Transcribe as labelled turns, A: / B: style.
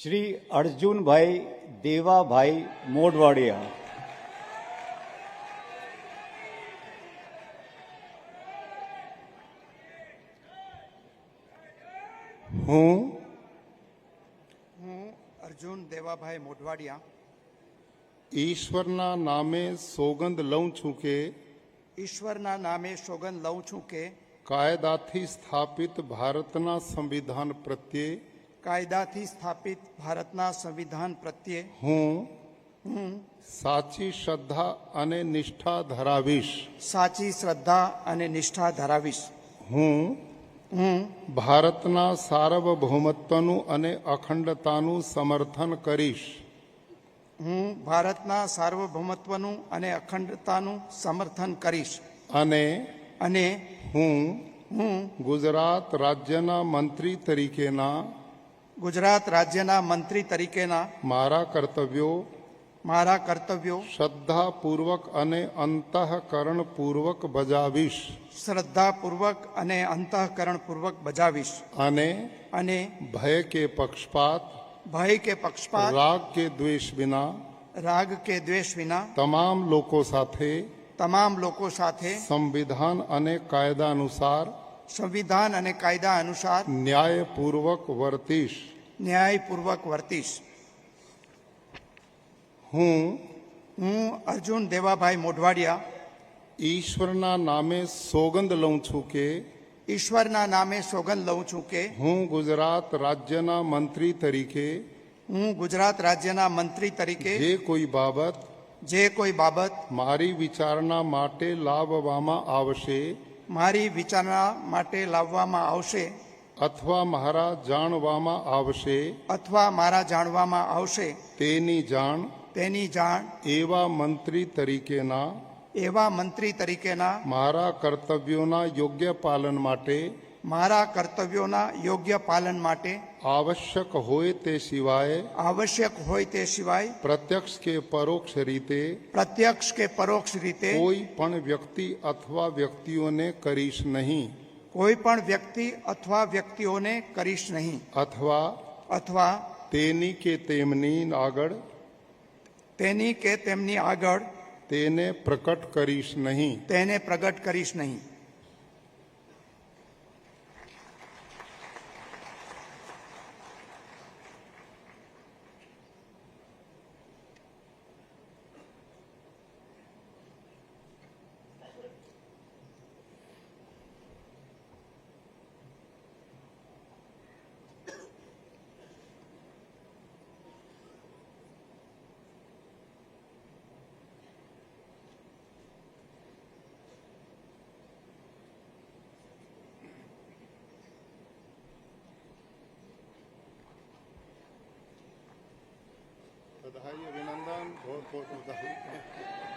A: શ્રી અર્જુનભાઈ દેવાભાઈ મોઢવાડિયા,
B: હું
C: અર્જુન દેવાભાઈ મોઢવાડિયા
B: ઈશ્વરના નામે સોગંદ લઉં છું કે
C: ઈશ્વરના નામે સોગંદ લઉં છું કે
B: કાયદાથી સ્થાપિત ભારતના સંવિધાન પ્રત્યે
C: કાયદાથી સ્થાપિત ભારતના સંવિધાન પ્રત્યે
B: હું સાચી શ્રદ્ધા અને નિષ્ઠા ધરાવીશ.
C: સાચી શ્રદ્ધા અને નિષ્ઠા ધરાવીશ.
B: હું ભારતના સાર્વભૌમત્વનું અને અખંડતાનું સમર્થન કરીશ.
C: હું ભારતના સાર્વભૌમત્વનું અને અખંડતાનું સમર્થન કરીશ. અને
B: હું
C: હું
B: ગુજરાત રાજ્યના મંત્રી તરીકેના
C: ગુજરાત રાજ્યના મંત્રી તરીકેના
B: મારા કર્તવ્યો શ્રદ્ધાપૂર્વક અને અંતઃકરણપૂર્વક બજાવીશ.
C: શ્રદ્ધાપૂર્વક અને અંતઃકરણપૂર્વક બજાવીશ.
B: અને ભય કે પક્ષપાત રાગ કે દ્વેષ વિના તમામ લોકો સાથે સંવિધાન અને કાયદા અનુસાર ન્યાયપૂર્વક વર્તીશ. હું
C: અર્જુન દેવાભાઈ મોઢવાડિયા
B: ઈશ્વરના નામે સોગંદ લઉં છું કે
C: ઈશ્વરના નામે સોગંદ લઉં છું કે
B: હું ગુજરાત રાજ્યના મંત્રી તરીકે જે કોઈ બાબત મારી વિચારણા માટે લાવવામાં આવશે અથવા મારા જાણવામાં આવશે તેની જાણ એવા મંત્રી તરીકેના મારા કર્તવ્યોના યોગ્ય પાલન માટે આવશ્યક હોય તે સિવાય પ્રત્યક્ષ કે પરોક્ષ રીતે કોઈ પણ વ્યક્તિ અથવા વ્યક્તિઓને કરીશ નહીં અથવા તેની કે તેમની આગળ તેને પ્રગટ કરીશ નહીં. बधाई अभिनंदन बहुत बहुत बधाई.